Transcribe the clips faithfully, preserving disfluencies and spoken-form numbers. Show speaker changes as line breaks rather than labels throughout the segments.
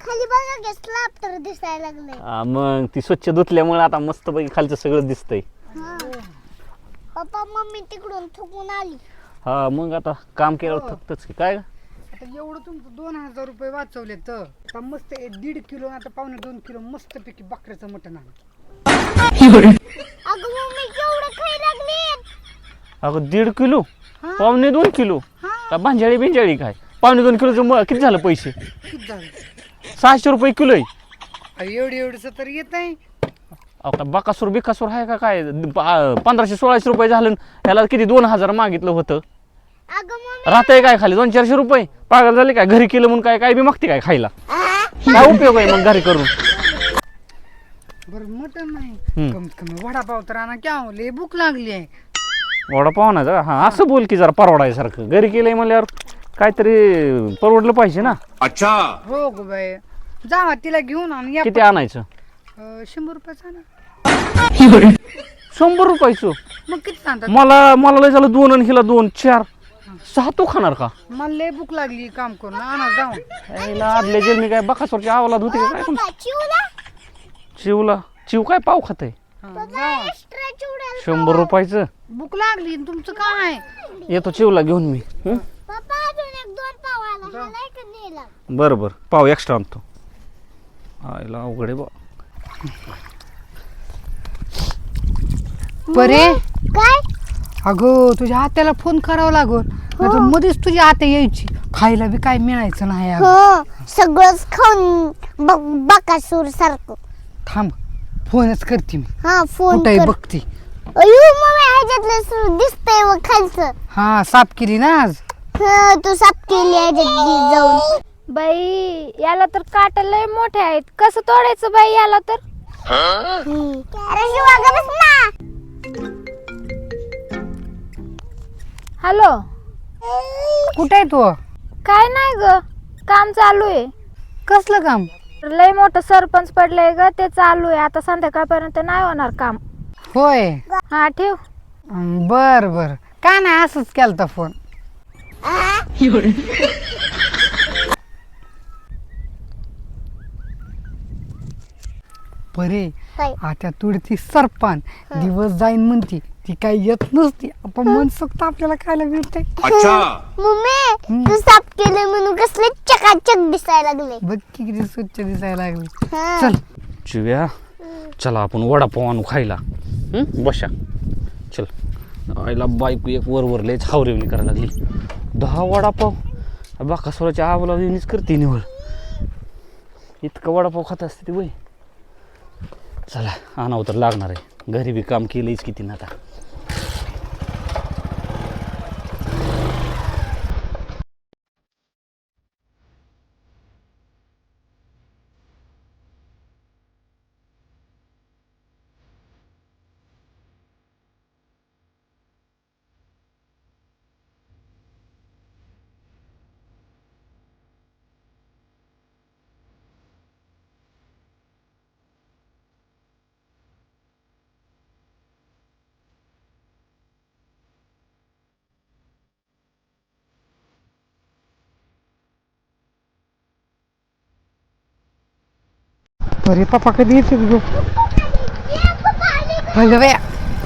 खाली बघा की स्लॅब तर दिसायला लागले.
हा, मग ती स्वच्छ धुतल्यामुळे आता मस्त पैकी खालचं सगळं दिसतंय.
पप्पा मम्मी तिकडून थकून आली.
हा मग आता काम केलं थकतच की काय.
आता एवढं तुमचं दोन हजार रुपये वाचवले तर आता मस्त एक दीड किलो आता पावणे दोन किलो मस्त पैकी बकऱ्याचं मटण आहे.
अगं मम्मी केवढं खाई लागली.
अगं दीड किलो पावणे दोन किलो का भांजाळी बिंजाळी काय पावणे दोन किलोचं मग किती झालं पैसे?
किती झालं?
सहाशे रुपये किलो आहे.
अहो, एवढं एवढंच तर येत आहे.
अहो का बकासूर बिकासूर आहे का काय? प- पंधराशे सोळाशे रुपये झालं ह्याला किती दोन हजार मागितलं होतं.
अगं मम्मी
राहतंय काय खाली दोन चारशे रुपये पागल झाले काय? घरी केलं म्हणून काय काय बी मागते काय खायला? काय उपयोग आहे मग घरी करून?
बरं मटण नाही
हम्म.
कमीत कमी वडापाव तर आणा क्या लय भूक लागली आहे.
वडापाव ना जरा हा असं बोल की जरा परवडायसारखं घरी केलंय म्हणल्यावर काहीतरी परवडलं पाहिजे ना.
अच्छा
हो ग बाई जावा तिला घेऊन आण या.
किती आणायचं?
अं, शंभर रुपयाचा आणा.
शंभर रुपयाचं?
मग किती सांगतात?
मला मला लय झालं दोन आणि हिला दोन चार सहा तू खाणार का?
मला लय भूक लागली काम करून आणा जाऊन.
यायला आदल्या जेल मी काय बकासूरची आवालात होती का काय पण?
पप्पा चिवला
चिवला चिव काय पाव खात आहे?
हा, जावा.
एक्स्ट्रा चिवड्याला
शंभर रुपयाचं
भूक लागली आणि तुमचं काय?
येतो चिवला घेऊन मी. हं?
पप्पा अजून एक दोन पाव आला मला एक नेला.
बरं बरं पाव एक्स्ट्रा आणतो. आईला अवघड आहे बा.
बरे
काय
अगं तुझ्या आत्याला फोन करावा लागल नाही तर मध्येच तुझी आत्या यायची खायला बी काय मिळायचं नाही अगं.
हो सगळंच खाऊन ब- बकासूर सारखं.
थांब फोनच करते मी
हा फोन
कुठे
कर.
बघते.
अयो मम्मी ह्याच्यातलं सु- दिसतंय व खालचं.
हा साफ केली ना आज.
हा, तू साफ केली ह्याच्यात जाऊन.
बाई याला तर काटा लय मोठे आहेत कसं तोडायचं बाई याला तर.
हम्म. अरे शिवा गं बस ना.
हॅलो
कुठे आहे तू?
काय नाही ग काम चालू आहे.
कसलं काम?
लय मोठं सरपंच पडलंय ग ते चालू आहे आता संध्याकाळपर्यंत नाही होणार काम.
होय
हा ठेव.
अं, बर बर काय नाही असंच केलता फोन. बरे
काय?
आता तुडती सरपण दिवस जाईन म्हणती ती काही येत नसती आपण मनसोक्त आपल्याला खायला मिळते.
अच्छा
मम्मी तू साफ केलं म्हणून कसले चकाचक दिसायला लागले.
बघ की किती स्वच्छ दिसायला लागली.
हा.
चल
चिव्या चला आपण वडापाव आणू खायला. हं? बशा चल. आईला बायको एक वर वर लयच हावरेवणी करायला लागली. दहा वडापाव बाकासोराच्या आवलावणीच करते निवड. इतका वडापाव खात असते ती वय. चला आणावं तर लागणार आहे घरी बी काम केलंच किती ना आता.
अरे पप्पा कधी येते ग? अगं बाया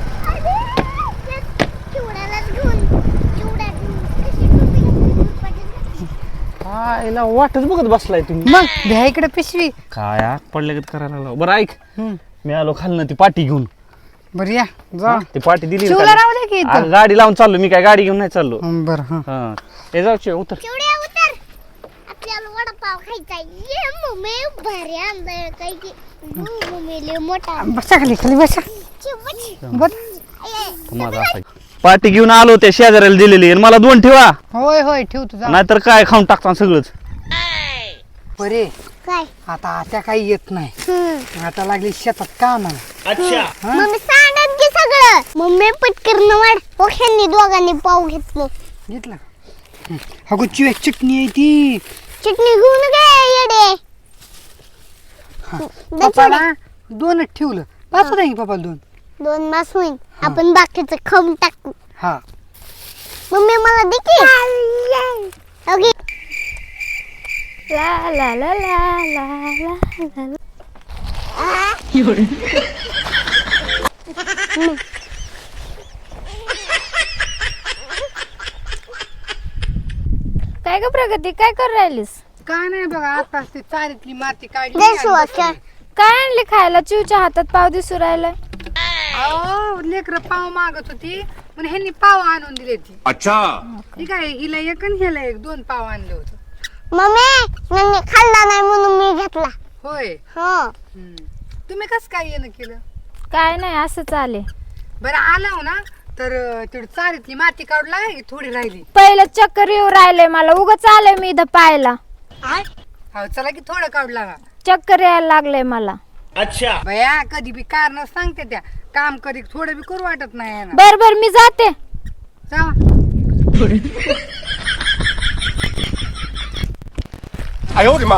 चिवड्यालाच घेऊन चिवड्या कशी टोपी घातली.
आईला वाटच बघत बसलाय तुम्ही.
मग द्या इकडे पिशवी.
काय आग पडल्या गत करायला लागला. बरं ऐक
हम्म.
मी आलो खालनं ती पाटी घेऊन.
बरं या जा.
ती पाटी दिली ना
चिवला
खाली.
राहू दे की इथं.
अगं, गाडी लावून चाललो मी काय गाडी घेऊन नाही चाललो.
हं, बरं हा
हा हे जाऊ चिव, उतर.
चिवड्या उतर आपल्याला वडापाव खायचा. ये मम्मी भारी आणलंय काय की. मम्मी लय मोठा.
बसा खाली खाली बसा.
चिवड.
बस.
माझा असा पाटी घेऊन आलो त्या शेजाऱ्याला दिलेली आणि मला दोन ठेवा
होय होय ठेव तुझा.
नाहीतर काय खाऊन टाकता सगळंच.
बरे
काय?
आता आत्या काही येत नाही
हम्म.
आता लागली शेतात कामाला.
मम्मी सांगत की सगळं. मम्मी पटकन वाढ. ओख्यांनी दोघांनी पाव घेतलं.
घेतला अगो चिवे चटणी आहे ती.
चटणी घेऊन गे येडे. दे
पप्पाला दोनच ठेवलं पाच होता की पप्पाला दोन.
दोन मास होईल. आपण बाकीचं खाऊन टाकू.
हा
मम्मी मला दे की. ओके
ला ला ला ला ला ला ला. काय ग प्रगती, काय करू राहिलीस?
काय नाही बघा, आताच ती चारीतली माती काढली
दे
आणि
सुवास
बसली.
काय आणली खायला? चिवच्या हातात पाव दिसू राहिलाय.
अहो लेकर पाव मागत होती पण ह्यांनी पाव आणून दिले ती.
अच्छा
ठीक आहे, हिला एक आणि ह्याला एक, दोन पाव आणले होते.
मम्मी यांनी खाल्ला नाही म्हणून मी घेतला.
होय.
हो
हम्म. तुम्ही कस काय येणं केलं?
काय नाही, असंच आले.
बरं आला ना तर तेवढी चारीतली माती काढू लागाय, थोडी राहिली.
पहिलं चक्कर येऊ राहिले मला, उगाच आले मी इथं पाहायला.
हो चला की थोडं काढू लागा.
चक्कर यायला लागले मला.
अच्छा
बया कधी बी कारण सांगते त्या, काम कधी थोडं बी करू वाटत नाही यांना.
बर बर मी जाते.
जा.
आयो रे मा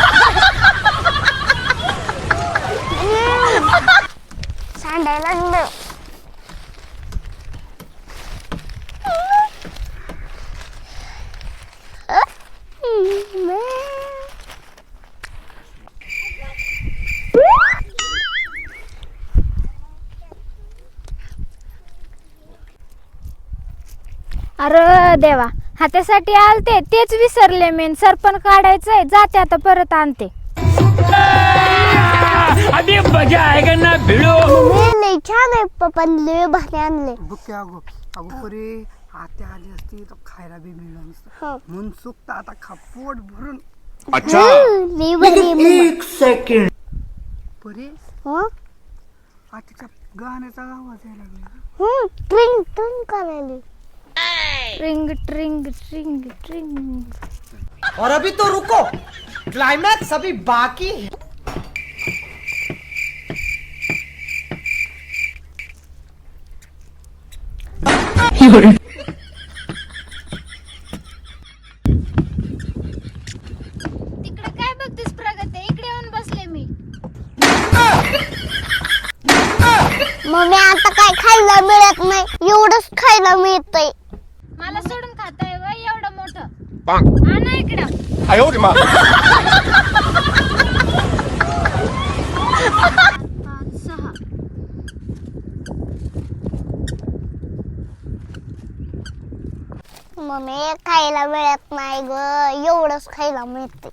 सांडायला लागलं.
अरे देवा, हातासाठी आलते तेच विसरले. मेन सरपण काढायचंय, जाते आता परत आणते.
अभी मजा आएगा ना भिड़ो.
मम्मी लय छान आहे, पप्पांनी लय भारी आणले.
बुके अगो अगो परे आत्या आली असती तर खायला बी मिळलं नसतं.
हो.
म्हणून सुकता आता खा पोट भरून.
अच्छा
हम्म, लय भारी आहे मम्मा.
परे
हो
आत्याच्या गाण्याचा आवाज यायला लागला.
हम्म, ट्रिंग ट्रिंग करायली.
ट्रिंग ट्रिंग ट्रिंग ट्रिंग.
और अभी तो रुको, क्लाइमैक्स अभी बाकी है.
तिकडे काय बघतेस प्रगती? इकडे येऊन बसले मी.
मम्मी आता काय खायला मिळत नाही, एवढंच खायला मिळतंय.
मला सोडून खाताय वय एवढं मोठं? आणा इकडं.
आयो रे मा
पाच सहा.
मम्मी खायला मिळत नाही ग, एवढंच खायला मिळते.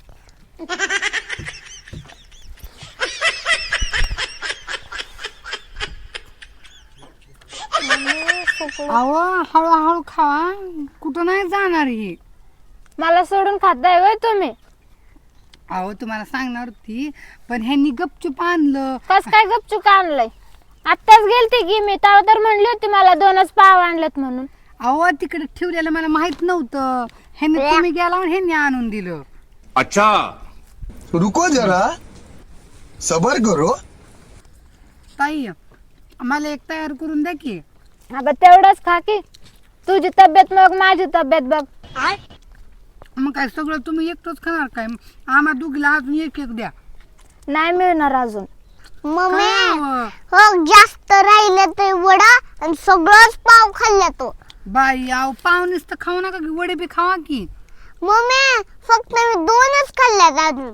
अहो हळूहळू खावा, कुठं नाही जाणार ही.
मला सोडून खाताय वय तुम्ही?
अहो तुम्हाला सांगणार होती पण ह्यांनी गपचूप आणलं.
कस काय गपचूक आणलंय? आत्ताच गेलते की मी, तेव्हा तर म्हणली होती मला दोनच पाव आणलेत म्हणून.
अहो तिकडे ठेवलेलं मला माहित नव्हतं. ह्यांनी तुम्ही गेला आणि ह्यांनी आणून दिलं.
अच्छा
रुको जरा, सबर करो.
ताई मला एक तयार करून द्या की.
अगं तेवढंच खा की, तुझी तब्येत मग माझी तब्येत बघ.
मग काय सगळं तुम्ही एकटंच खाणार काय? आम्हा दोघीला अजून एक एक द्या.
नाही मिळणार अजून.
मम्मी
काय
हो जास्त राहिलं ते वडा आणि सगळंच पाव खाल्ला तो.
बाई अहो पाहुणेच तर खाऊ नका की, वडे बी खावा की.
मम्मी फक्त मी दोनच खाल्ल्यात अजून.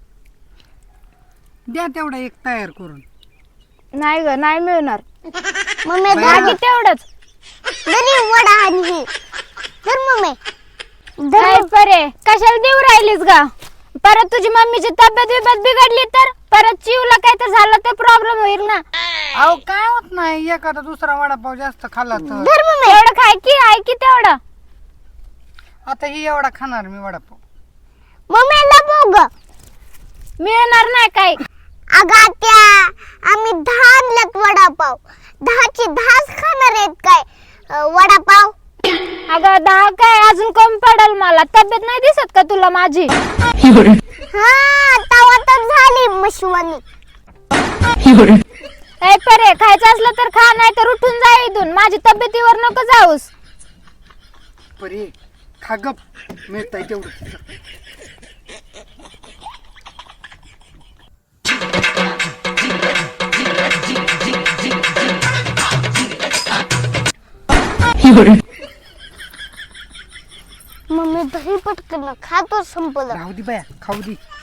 द्या तेवढा एक तयार करून.
नाही ग, नाही मिळणार.
मम्मी
बाकी तेवढंच.
दरी वडा आणि हे धर मम्मी धर.
काय परे, कशाला देऊ राहिलीस ग? परत तुझी मम्मीची तब्येत बिब्येत बिघडली तर परत चिवला काय तर झालं तर प्रॉब्लेम होईल ना.
अहो काय होत नाही, एखादा दुसरा वडापाव जास्त खाल्ला तर.
धर मम्मी.
एवढं खाय की, आहे की तेवढं.
आता ही एवढा खाणार मी वडापाव.
मम्मी लपव ग.
मिळणार नाही काही.
अगं त्या आम्ही दहा आणल्यात वडापाव, दहाची दहाच खाणार आहेत काय अं, वडापाव.
अगं दहा काय, अजून कमी पडल मला. तब्येत नाही दिसत का तुला माझी?
हा तवा तर झाली मशवानी.
ए परे, खायचं असलं तर खा, नाही तर उठून जा इथून. माझी तब्येतीवर नको जाऊस.
परे खा गप, मिळतंय तेवढं.
मम्मी दही पट इकडनं खातो संपलं
राहू दे बाया खाऊ दे